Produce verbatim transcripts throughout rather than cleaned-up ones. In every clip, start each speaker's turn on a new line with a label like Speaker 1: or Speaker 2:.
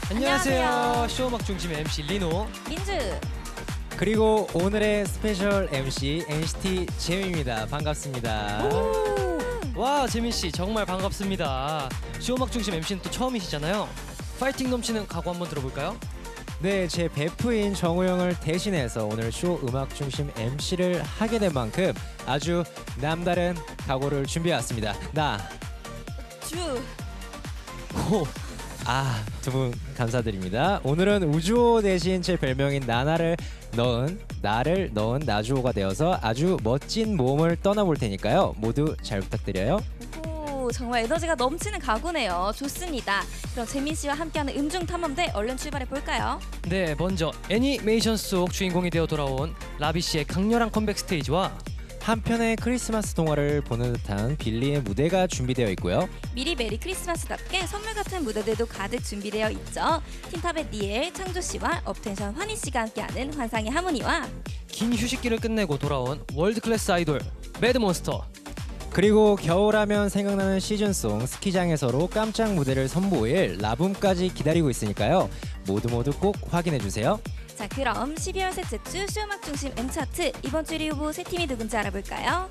Speaker 1: 안녕하세요.
Speaker 2: 안녕하세요.
Speaker 1: 쇼음악 중심 엠씨 리노.
Speaker 2: 민주.
Speaker 3: 그리고 오늘의 스페셜 엠씨 엔시티 재민입니다. 반갑습니다.
Speaker 1: 와, 재민 씨 정말 반갑습니다. 쇼음악 중심 엠씨는 또 처음이시잖아요. 파이팅 넘치는 각오 한번 들어볼까요?
Speaker 3: 네, 제 베프인 정우 형을 대신해서 오늘 쇼 음악 중심 엠씨를 하게 된 만큼 아주 남다른 각오를 준비해왔습니다. 나,
Speaker 2: 주.
Speaker 3: 호, 아, 두 분 감사드립니다. 오늘은 우주호 대신 제 별명인 나나를 넣은 나를 넣은 나주호가 되어서 아주 멋진 모험을 떠나볼 테니까요. 모두 잘 부탁드려요.
Speaker 2: 오, 정말 에너지가 넘치는 가구네요. 좋습니다. 그럼 재민 씨와 함께하는 음중 탐험대 얼른 출발해 볼까요?
Speaker 1: 네, 먼저 애니메이션 속 주인공이 되어 돌아온 라비 씨의 강렬한 컴백 스테이지와
Speaker 3: 한편의 크리스마스 동화를 보는 듯한 빌리의 무대가 준비되어 있고요.
Speaker 2: 미리 메리 크리스마스답게 선물 같은 무대들도 가득 준비되어 있죠. 틴탑의 니엘, 창조 씨와 업텐션 환희 씨가 함께하는 환상의 하모니와
Speaker 1: 긴 휴식기를 끝내고 돌아온 월드 클래스 아이돌 매드몬스터.
Speaker 3: 그리고 겨울하면 생각나는 시즌송 스키장에서로 깜짝 무대를 선보일 라붐까지 기다리고 있으니까요. 모두 모두 꼭 확인해 주세요.
Speaker 2: 자, 그럼 십이월 셋째 주 쇼음악 중심 M차트 이번 주 일 위 후보 세 팀이 누군지 알아볼까요?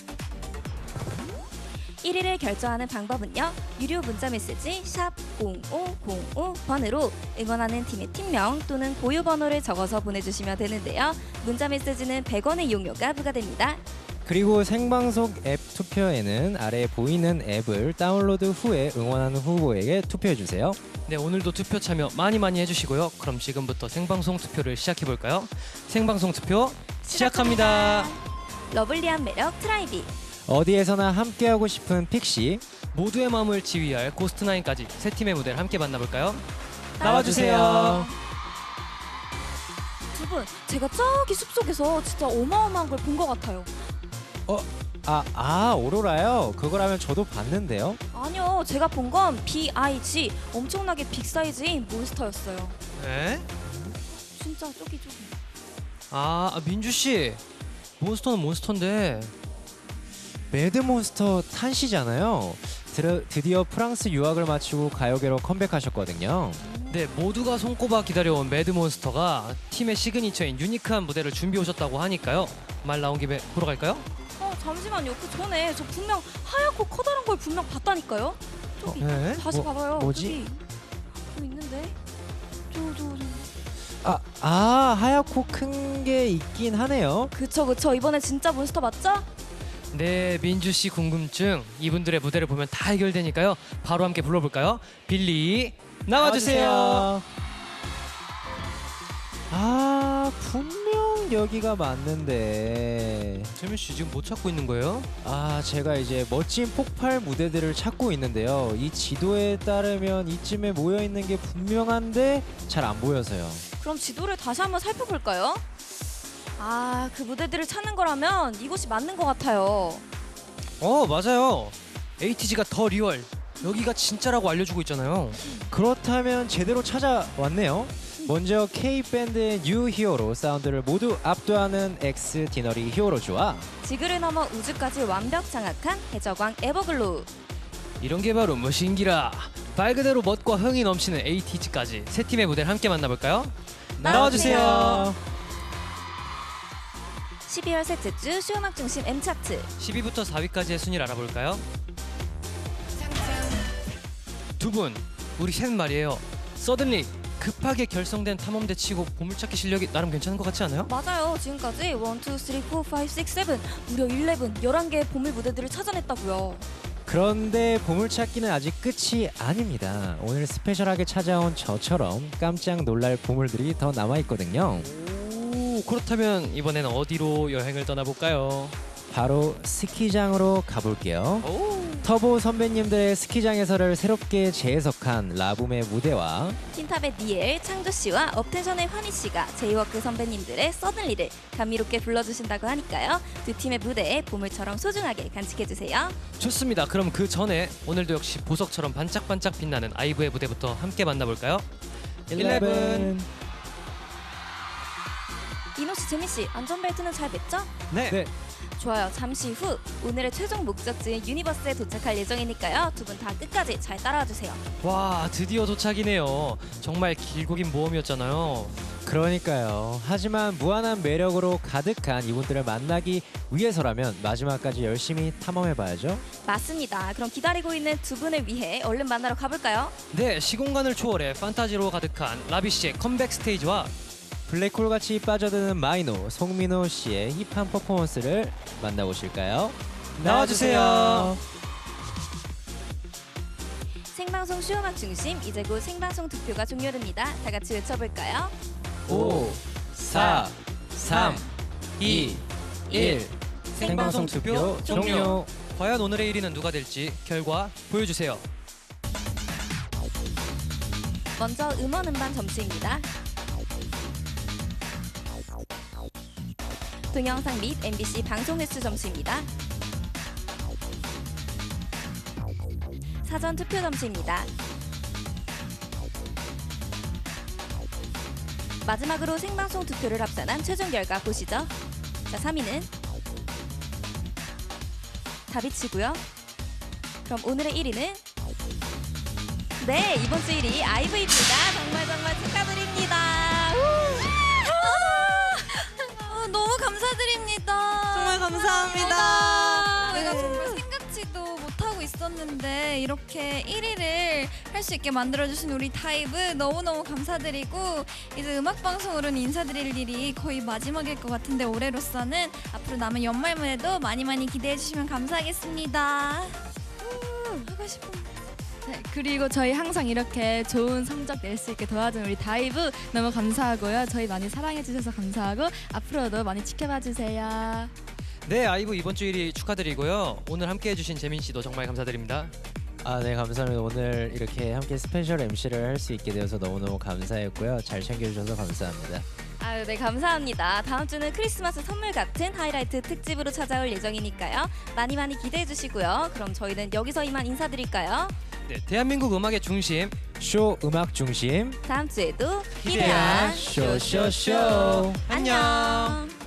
Speaker 2: 일 위를 결정하는 방법은요. 유료 문자 메시지 샵 공오공오 번으로 응원하는 팀의 팀명 또는 보유 번호를 적어서 보내주시면 되는데요. 문자 메시지는 백 원의 이용료가 부과됩니다.
Speaker 3: 그리고 생방송 앱 투표에는 아래 보이는 앱을 다운로드 후에 응원하는 후보에게 투표해 주세요.
Speaker 1: 네, 오늘도 투표 참여 많이 많이 해주시고요. 그럼 지금부터 생방송 투표를 시작해볼까요? 생방송 투표 시작합니다.
Speaker 2: 러블리한 매력 트라이비.
Speaker 3: 어디에서나 함께하고 싶은 픽시
Speaker 1: 모두의 마음을 지휘할 고스트나인까지 세 팀의 무대를 함께 만나볼까요?
Speaker 3: 나와주세요.
Speaker 2: 두 분, 제가 저기 숲속에서 진짜 어마어마한 걸 본 것 같아요.
Speaker 3: 아, 아 오로라요? 그거라면 저도 봤는데요.
Speaker 2: 아니요, 제가 본 건 비 아이 지 엄청나게 빅 사이즈인 몬스터였어요.
Speaker 1: 네?
Speaker 2: 진짜 저기 저기.
Speaker 1: 아, 아, 민주 씨, 몬스터는 몬스터인데.
Speaker 3: 매드몬스터 탄시잖아요. 드르, 드디어 프랑스 유학을 마치고 가요계로 컴백하셨거든요.
Speaker 1: 네, 모두가 손꼽아 기다려온 매드몬스터가 팀의 시그니처인 유니크한 무대를 준비해 오셨다고 하니까요. 말 나온 김에 보러 갈까요?
Speaker 2: 어, 잠시만요. 그 전에 저 분명 하얗고 커다란 걸 분명 봤다니까요. 저기
Speaker 1: 네?
Speaker 2: 다시
Speaker 3: 뭐,
Speaker 2: 봐봐요.
Speaker 3: 뭐지?
Speaker 2: 저기 저 있는데. 저 저 저.
Speaker 3: 아, 아 하얗고 큰 게 있긴 하네요.
Speaker 2: 그쵸 그쵸. 이번에 진짜 몬스터 맞죠?
Speaker 1: 네, 민주 씨 궁금증 이분들의 무대를 보면 다 해결되니까요. 바로 함께 불러볼까요? 빌리 나와주세요.
Speaker 3: 아, 분명 여기가 맞는데.
Speaker 1: 재민 씨 지금 못 찾고 있는 거예요?
Speaker 3: 아, 제가 이제 멋진 폭발 무대들을 찾고 있는데요. 이 지도에 따르면 이쯤에 모여 있는 게 분명한데 잘 안 보여서요.
Speaker 2: 그럼 지도를 다시 한번 살펴볼까요? 아, 그 무대들을 찾는 거라면 이곳이 맞는 것 같아요.
Speaker 1: 어, 맞아요. 에이티지가 더 리얼. 여기가 진짜라고 알려주고 있잖아요.
Speaker 3: 그렇다면 제대로 찾아왔네요. 먼저 K-밴드의 뉴 히어로 사운드를 모두 압도하는 엑스 디너리 히어로즈와
Speaker 2: 지구를 넘어 우주까지 완벽 장악한 해적왕 에버글로우.
Speaker 1: 이런 게 바로 무신기라. 말 그대로 멋과 흥이 넘치는 에이티지까지 세 팀의 무대를 함께 만나볼까요?
Speaker 2: 나와주세요. 십이월 셋째 주 쇼음악 중심 M차트.
Speaker 1: 십 위부터 사 위까지의 순위를 알아볼까요? 두 분, 우리 셋 말이에요. 서든리 급하게 결성된 탐험대 치고 보물찾기 실력이 나름 괜찮은 것 같지 않아요?
Speaker 2: 맞아요. 지금까지 일, 이, 삼, 사, 오, 육, 칠 무려 십일, 열한 개의 보물 무대들을 찾아냈다고요.
Speaker 3: 그런데 보물찾기는 아직 끝이 아닙니다. 오늘 스페셜하게 찾아온 저처럼 깜짝 놀랄 보물들이 더 남아있거든요.
Speaker 1: 오, 그렇다면 이번에는 어디로 여행을 떠나볼까요?
Speaker 3: 바로 스키장으로 가볼게요.
Speaker 1: 오.
Speaker 3: 터보 선배님들의 스키장 해설을 새롭게 재해석한 라붐의 무대와
Speaker 2: 틴탑의 니엘, 창조 씨와 업텐션의 환희 씨가 제이워크 선배님들의 서든리를 감미롭게 불러주신다고 하니까요. 두 팀의 무대에 보물처럼 소중하게 간직해주세요.
Speaker 1: 좋습니다. 그럼 그 전에 오늘도 역시 보석처럼 반짝반짝 빛나는 아이브의 무대부터 함께 만나볼까요?
Speaker 3: 일레븐.
Speaker 2: 이노 씨, 재민 씨, 안전벨트는 잘 맸죠?
Speaker 1: 네.
Speaker 3: 네.
Speaker 2: 좋아요. 잠시 후 오늘의 최종 목적지인 유니버스에 도착할 예정이니까요. 두 분 다 끝까지 잘 따라와 주세요.
Speaker 1: 와, 드디어 도착이네요. 정말 길고 긴 모험이었잖아요.
Speaker 3: 그러니까요. 하지만 무한한 매력으로 가득한 이분들을 만나기 위해서라면 마지막까지 열심히 탐험해봐야죠.
Speaker 2: 맞습니다. 그럼 기다리고 있는 두 분을 위해 얼른 만나러 가볼까요?
Speaker 1: 네, 시공간을 초월해 판타지로 가득한 라비씨의 컴백 스테이지와
Speaker 3: 블랙홀같이 빠져드는 마이노, 송민호 씨의 힙한 퍼포먼스를 만나보실까요?
Speaker 1: 나와주세요.
Speaker 2: 생방송 쇼음악 중심 이제 곧 생방송 투표가 종료됩니다. 다 같이 외쳐볼까요?
Speaker 3: 오, 사, 삼, 이, 일. 생방송 투표 종료.
Speaker 1: 과연 오늘의 일 위는 누가 될지 결과 보여주세요.
Speaker 2: 먼저 음원 음반 점수입니다. 동영상 및 엠비씨 방송 횟수 점수입니다. 사전 투표 점수입니다. 마지막으로 생방송 투표를 합산한 최종 결과 보시죠. 자, 삼 위는 다비치고요. 그럼 오늘의 일 위는 네, 이번 주 일 위 아이브이입니다. 정말 정말 축하드립니다.
Speaker 4: 아, 너무 감사드립니다.
Speaker 5: 정말 감사합니다.
Speaker 4: 저희가 정말 생각지도 못하고 있었는데 이렇게 일 위를 할 수 있게 만들어주신 우리 다이브 너무너무 감사드리고 이제 음악방송으로는 인사드릴 일이 거의 마지막일 것 같은데 올해로서는 앞으로 남은 연말 무대도 많이 많이 기대해주시면 감사하겠습니다. 하고 싶은
Speaker 5: 네, 그리고 저희 항상 이렇게 좋은 성적 낼 수 있게 도와준 우리 다이브 너무 감사하고요. 저희 많이 사랑해 주셔서 감사하고 앞으로도 많이 지켜봐 주세요.
Speaker 1: 네, 아이브 이번 주 일 위 축하드리고요. 오늘 함께 해주신 재민 씨도 정말 감사드립니다.
Speaker 3: 아, 네, 감사합니다. 오늘 이렇게 함께 스페셜 엠씨를 할 수 있게 되어서 너무너무 감사했고요. 잘 챙겨주셔서 감사합니다.
Speaker 2: 아유, 네, 감사합니다. 다음 주는 크리스마스 선물 같은 하이라이트 특집으로 찾아올 예정이니까요. 많이 많이 기대해 주시고요. 그럼 저희는 여기서 이만 인사드릴까요?
Speaker 1: 네, 대한민국 음악의 중심
Speaker 3: 쇼 음악 중심
Speaker 2: 다음 주에도
Speaker 1: 기대한
Speaker 2: 기대한
Speaker 3: 쇼쇼쇼.
Speaker 2: 안녕.